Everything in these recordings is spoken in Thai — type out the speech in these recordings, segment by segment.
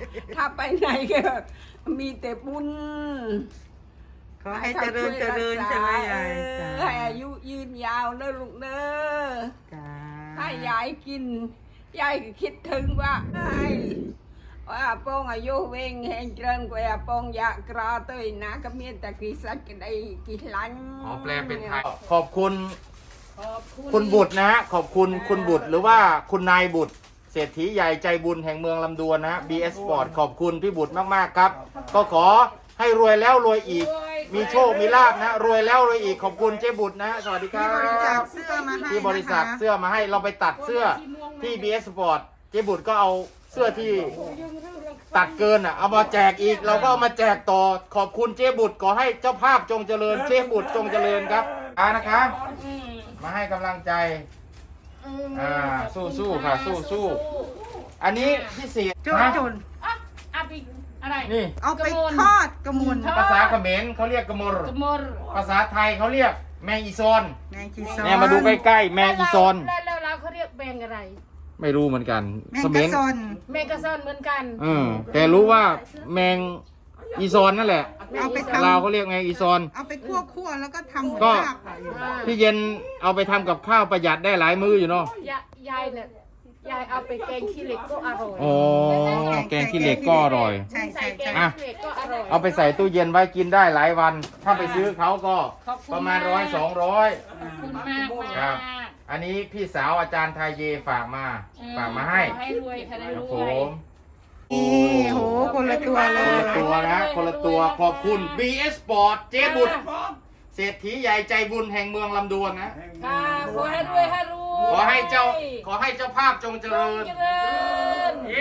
ถ้าไปไหนก็มีแต่บุญขอให้เจริญเจริญใช่ไหมยายจ้าให้อายุยืนยาวเนอะลูกเนอะจ้าถ้ายายกินยายก็คิดถึงว่าไอ้ว่าปองอายุเวงแห่งเจริญกว่าปองอยากกรอตัวนะก็มีแต่กิสักก็ได้กิลันอ๋อแปลเป็นไทยขอบคุณขอบคุณคุณบุตรนะฮะขอบคุณคุณบุตรหรือว่าคุณนายบุตรเศรษฐีใหญ่ใจบุญแห่งเมืองลำดวนนะ BS Sport ขอบคุณพี่บุตรมากๆครับ ก็ขอให้รวยแล้วรวยอีก มีโชคมีลาภนะรวยแล้วรวยอีกขอบคุณเจ๊บุตรนะสวัสดีครัที่บริจาคบเสื้อมาให้ที่บริษัทนะคะเสื้อมาให้เราไปตัดเสื้อที่ BS Sport เจ๊บุตรก็เอาเสื้อที่ตัดเกินอ่ะเอามาแจกอีก เราก็เอามาแจกต่อขอบคุณเจ๊บุตรขอให้เจ้าภาพจงเจริญเจ๊บุตรจงเจริญครับนะคะมาให้กำลังใจสู้ๆค่ะสู้ๆอันนี้พิเศษจุนนะจุนเอาไปอะไรนี่เอาไปทอดกระมุนภาษาเขมรเขาเรียกกระมรกระมรภาษาไทยเขาเรียกแมงอีซอนแมงจีซอนเนี่ยมาดูใกล้ๆแมงอีซอนแล้วเราเขาเรียกแมงอะไรไม่รู้เหมือนกันแมงกระซอนแมงกระซอนเหมือนกันแต่รู้ว่าแมงอีซอนนั่นแหละเอาไปทลาวเขาเรียกแมงอีซอนำเอาไปคั่วๆแล้วก็ทำเหมือนก็ลาบพี่เย็นเอาไปทำกับข้าวประหยัดได้หลายมื้ออยู่เนาะยายเนี่ยยายเอาไปแกงขี้เหล็กก็อร่อยอ๋อแกงขี้เหล็กก็อร่อยใช่ใส่ใช่แกงใช่ขี้เหล็กก็อร่อยเอาไปใส่ตู้เย็นไว้กินได้หลายวัน ถ้าไปซื้อเขาก็ประมาณ100-200 ขอบคุณมากครัมาบกอันนี้พี่สาวอาจารย์ทายเยฝากมาให้ขอให้รวยค่ะได้ครรับวผยมนี่โหคนละตัวเลคนยละตัวนะคนละตัวขอบคุณ BS Sport เจ๊บุตรเศรษฐีใหญ่ใจบุญแห่งเมืองลำดวนนะค่ะขอให้รวยให้รวยขอให้เจ้าภาพจงเจริญเจริญเย้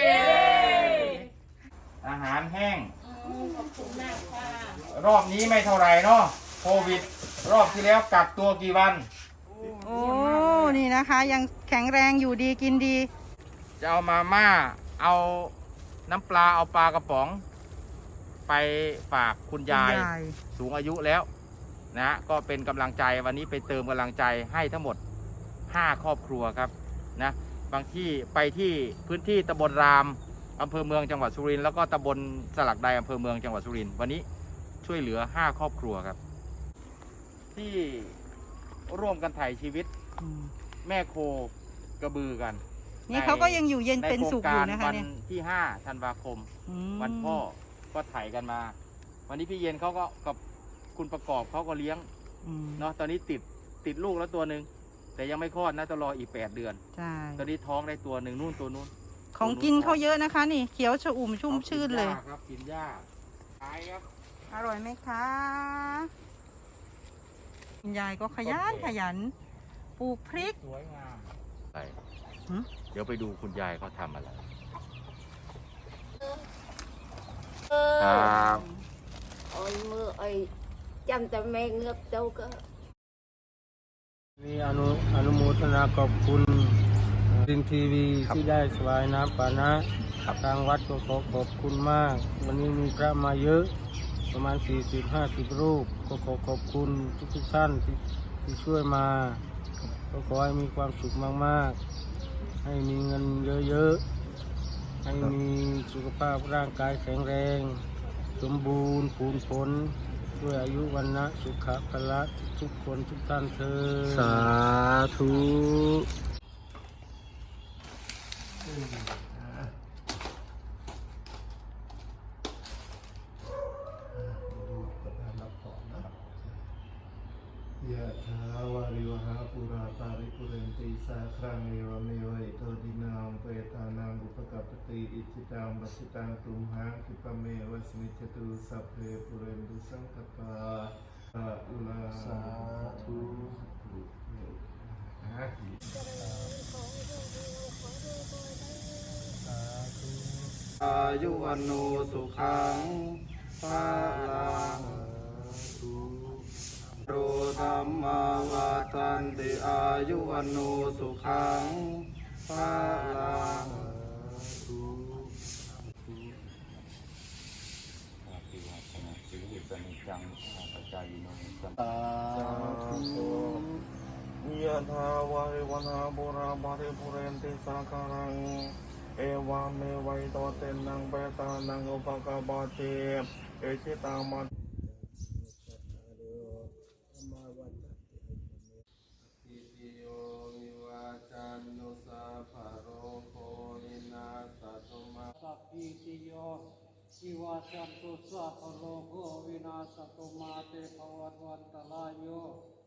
อาหารแห้งขอบคุณมากค่ะรอบนี้ไม่เท่าไหร่เนาะโควิด รอบที่แล้วกักตัวกี่วันโอ้นี่นะคะ ยังแข็งแรงอยู่ดีกินดีจะเอามาม่าเอาน้ำปลาเอาปลากระป๋อง ไปฝากคุณยายสูงอายุแล้วนะก็เป็นกำลังใจวันนี้ไปเติมกำลังใจให้ทั้งหมด5 ครอบครัวครับนะบางที่ไปที่พื้นที่ตำบลรามอำเภอเมืองจังหวัดสุรินทร์แล้วก็ตำบลสลักใดอำเภอเมืองจังหวัดสุรินทร์วันนี้ช่วยเหลือ5 ครอบครัวครับ ที่ร่วมกันถ่ายชีวิตแม่โคกระบือกันนี่เขาก็ยังอยู่เย็นเป็นสุขอยู่นะคะวัเนี่ยที่5 ธันวาคม วันพ่อก็ถ่ายกันมา วันนี้พี่เย็นเขาก็กับคุณประกอบเขาก็เลี้ยงเนาะตอนนี้ติดลูกแล้วตัวหนึ่งแต่ยังไม่คลอดนะต้องรออีก8 เดือนใช่ตอนนี้ท้องได้ตัวหนึ่งนู่นตัวนู้นของกินเขาเยอะนะคะ นี่เขียวชอุ่มชุ่มชื่นเลยกินหญ้าครับกินหญ้าขายครับอร่อยไหมคะคุณยายก็ขยันปลูกพริกสวยงามไปหืมเดี๋ยวไปดูคุณยายเขาทำอะไรครับโอ้ยมือไอ้จำแต่แม่เงือบเจ้าก็มีอนุโมทนาขอบคุณดินทีวีที่ได้สวายน้ำปานะทางวัดก็ขอบคุณมาก วันนี้มีพระมาเยอะประมาณ40-50 รูปก็ขอบคุณทุกท่านที่ช่วยมาก็ขอให้มีความสุขมากๆให้มีเงินเยอะๆให้มีสุขภาพร่างกายแข็งแรง สมบูรณ์ผลผลด้วยอายุวันนะสุขภละทุกคนทุกท่านเธอสาธุยะถาวาริวหาปุราปาริปุเรนติสาครังเอวเมวะอิโตดินังเปตานังอุปกัปปติอิจิตังปัสสิตังตุมหังคิปะเมวะสมิจจตุสัพเพปุเรนตุสังคปาอะลาสาธุอายุวันโนสุขังภาลังโรธรรมาวาทันติอายุวันโนสุขังภาลังยะถาวาริวนาบุราบาริปุเรนติสาคารังเอวาเมวัยโตเตนังเปตานังอุปกปเตเอชิตังมัตติติโยวิวาจันโนสาภโรโควินาสตุมาสัพพิติโยวิวาจันตุสาภโรโควินาสตุมาเตภวัตวันตรายโย